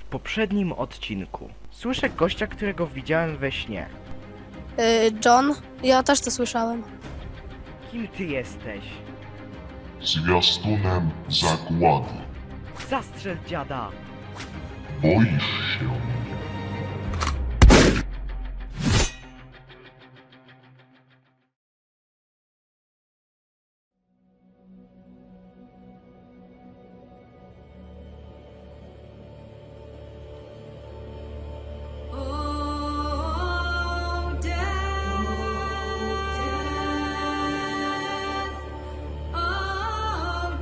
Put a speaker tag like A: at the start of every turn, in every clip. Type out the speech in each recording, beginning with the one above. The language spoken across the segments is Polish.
A: poprzednim odcinku słyszę gościa, którego widziałem we śnie.
B: John? Ja też to słyszałem.
A: Kim ty jesteś?
C: Zwiastunem zagłady.
A: Zastrzel dziada!
C: Boisz się mnie.
D: Oh, death, oh,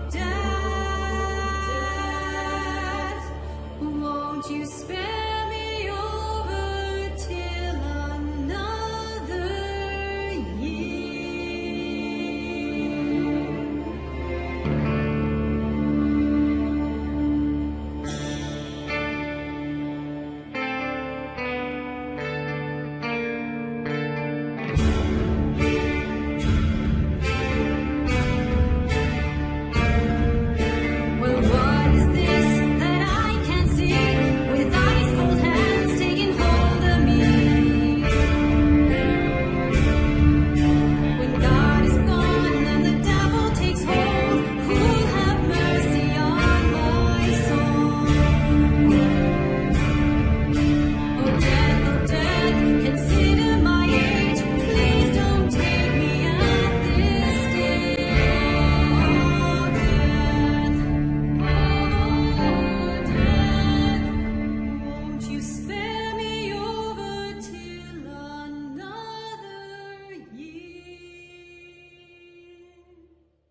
D: death, won't you spare me over till another year? Well, what is this that I can see with ice cold hands taking hold of me? When God is gone and the devil takes hold, who'll have mercy on my soul? Oh, death, consider my age. Please don't take me at this stage. Won't you spare me over till another year?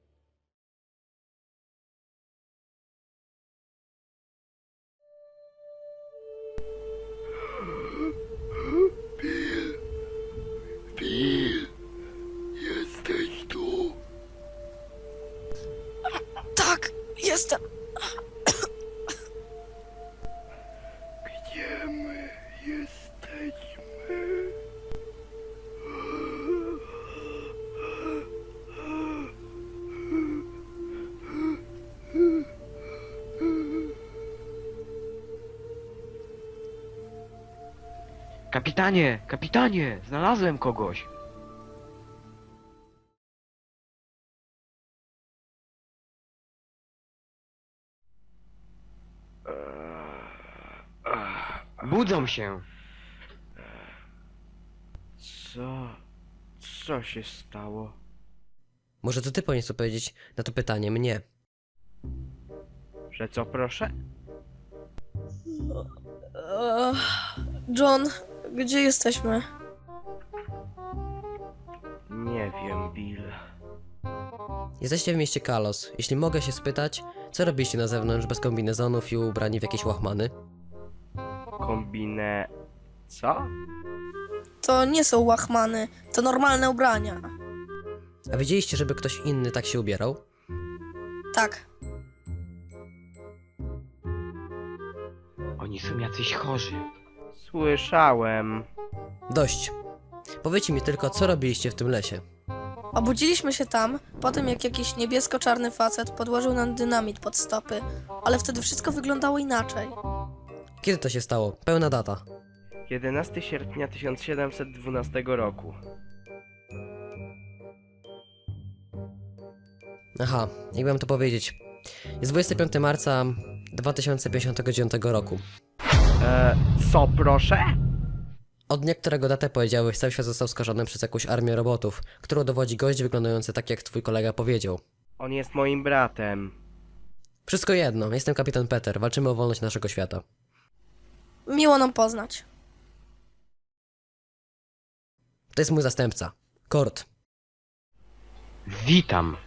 A: Bill, jesteś tu?
B: Tak, jestem.
A: Gdzie my jesteśmy?
E: Kapitanie, kapitanie, znalazłem kogoś. Budzą się.
A: Co się stało?
F: Może to ty powinieneś odpowiedzieć na to pytanie mnie.
A: Że co, proszę?
B: John, gdzie jesteśmy?
A: Nie wiem, Bill.
F: Jesteście w mieście Kalos. Jeśli mogę się spytać, co robiliście na zewnątrz bez kombinezonów i ubrani w jakieś łachmany?
A: Co?
B: To nie są łachmany, to normalne ubrania.
F: A widzieliście, żeby ktoś inny tak się ubierał?
B: Tak.
E: Oni są jacyś chorzy.
A: Słyszałem.
F: Dość. Powiedzcie mi tylko, co robiliście w tym lesie.
B: Obudziliśmy się tam, po tym jak jakiś niebiesko-czarny facet podłożył nam dynamit pod stopy, ale wtedy wszystko wyglądało inaczej.
F: Kiedy to się stało? Pełna data.
A: 11 sierpnia 1712 roku.
F: Aha, jak mam to powiedzieć. Jest 25 marca 2059 roku.
A: Co, proszę?
F: Od dnia, którego datę powiedziałeś, cały świat został skażony przez jakąś armię robotów, którą dowodzi gość wyglądający tak, jak twój kolega powiedział.
A: On jest moim bratem.
F: Wszystko jedno, jestem kapitan Peter, walczymy o wolność naszego świata.
B: Miło nam poznać.
F: To jest mój zastępca, Kurt.
E: Witam.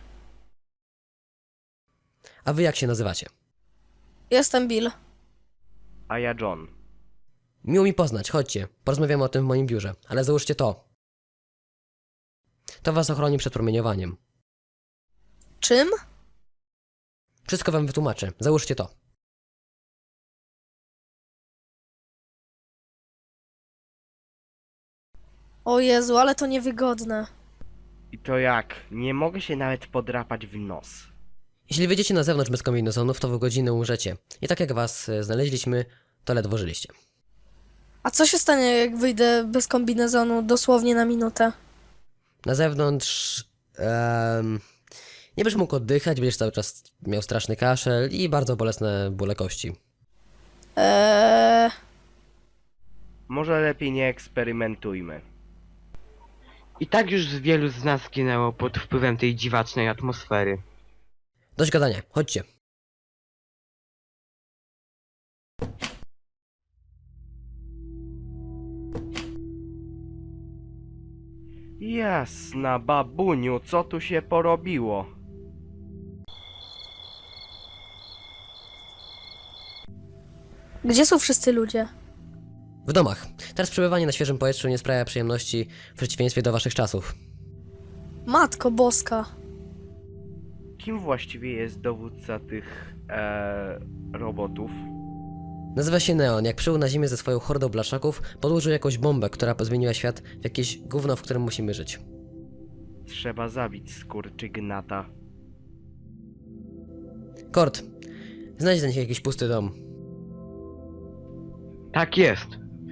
F: A wy jak się nazywacie?
B: Jestem Bill.
A: A ja John.
F: Miło mi poznać, chodźcie, porozmawiamy o tym w moim biurze, ale załóżcie to. To was ochroni przed promieniowaniem.
B: Czym?
F: Wszystko wam wytłumaczę, załóżcie to.
B: O Jezu, ale to niewygodne.
A: I to jak? Nie mogę się nawet podrapać w nos.
F: Jeśli wyjdziecie na zewnątrz bez kombinezonów, to w godzinę umrzecie. I tak jak was znaleźliśmy, to ledwo żyliście.
B: A co się stanie, jak wyjdę bez kombinezonu dosłownie na minutę?
F: Na zewnątrz nie będziesz mógł oddychać, będziesz cały czas miał straszny kaszel i bardzo bolesne bóle kości.
A: Może lepiej nie eksperymentujmy.
E: I tak już wielu z nas zginęło pod wpływem tej dziwacznej atmosfery.
F: Dość gadania, chodźcie.
A: Jasna babuniu, co tu się porobiło?
B: Gdzie są wszyscy ludzie?
F: W domach. Teraz przebywanie na świeżym powietrzu nie sprawia przyjemności w przeciwieństwie do waszych czasów.
B: Matko boska.
A: Kim właściwie jest dowódca tych, robotów?
F: Nazywa się Neon. Jak przybył na ziemię ze swoją hordą blaszaków, podłożył jakąś bombę, która pozmieniła świat w jakieś gówno, w którym musimy żyć.
A: Trzeba zabić skurczygnata.
F: Kord, znajdź dla nich jakiś pusty dom.
E: Tak jest.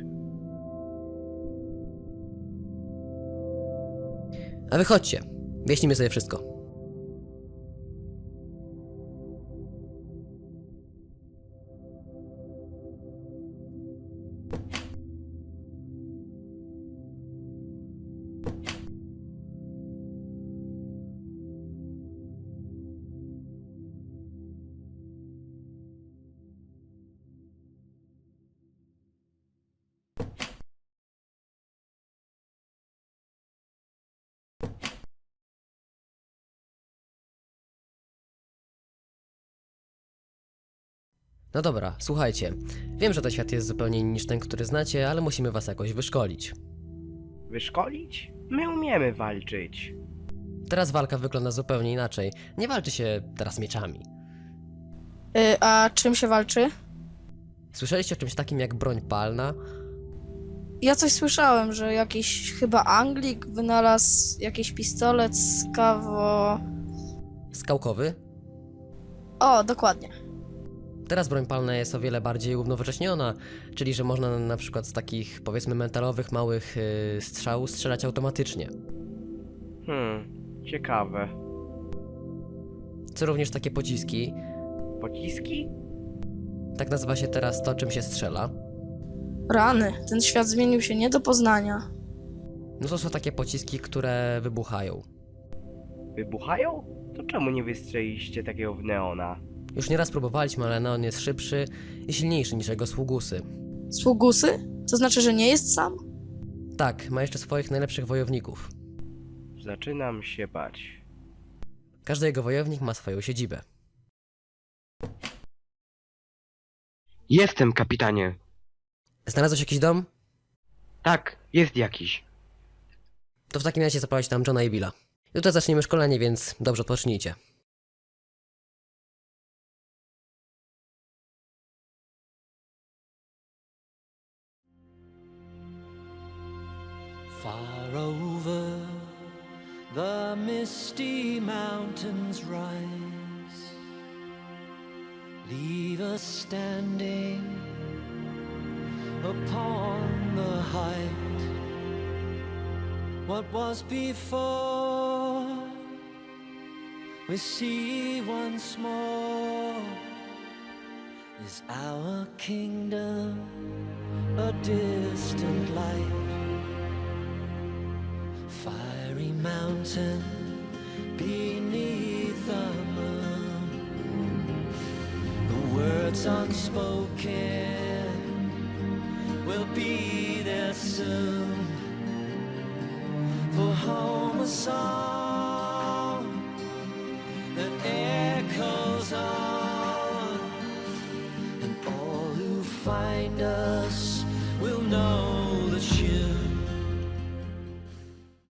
F: A wy chodźcie. Wyjaśnimy sobie wszystko. No dobra, słuchajcie. Wiem, że ten świat jest zupełnie inny niż ten, który znacie, ale musimy was jakoś wyszkolić.
A: Wyszkolić? My umiemy walczyć.
F: Teraz walka wygląda zupełnie inaczej. Nie walczy się teraz mieczami.
B: A czym się walczy?
F: Słyszeliście o czymś takim jak broń palna?
B: Ja coś słyszałem, że jakiś chyba Anglik wynalazł jakiś pistolet
F: Skałkowy?
B: O, dokładnie.
F: Teraz broń palna jest o wiele bardziej uwnowocześniona, czyli że można na przykład z takich, powiedzmy, metalowych, małych strzałów strzelać automatycznie.
A: Ciekawe.
F: Co również takie pociski.
A: Pociski?
F: Tak nazywa się teraz to, czym się strzela.
B: Rany, ten świat zmienił się nie do poznania.
F: No to są takie pociski, które wybuchają.
A: Wybuchają? To czemu nie wystrzeliliście takiego w Neona?
F: Już nieraz próbowaliśmy, ale Neon jest szybszy i silniejszy niż jego sługusy.
B: Sługusy? To znaczy, że nie jest sam?
F: Tak, ma jeszcze swoich najlepszych wojowników.
A: Zaczynam się bać.
F: Każdy jego wojownik ma swoją siedzibę.
E: Jestem, kapitanie.
F: Znalazłeś jakiś dom?
E: Tak, jest jakiś.
F: To w takim razie zaprowadź tam Johna i Billa. Jutro zaczniemy szkolenie, więc dobrze odpocznijcie.
G: Far over the misty mountains rise, leave us standing upon the height. What was before, we see once more. Is our kingdom a distant light? Fiery mountain beneath the moon, the words unspoken will be there soon. For home a song that echoes on, and all who find us will know the tune.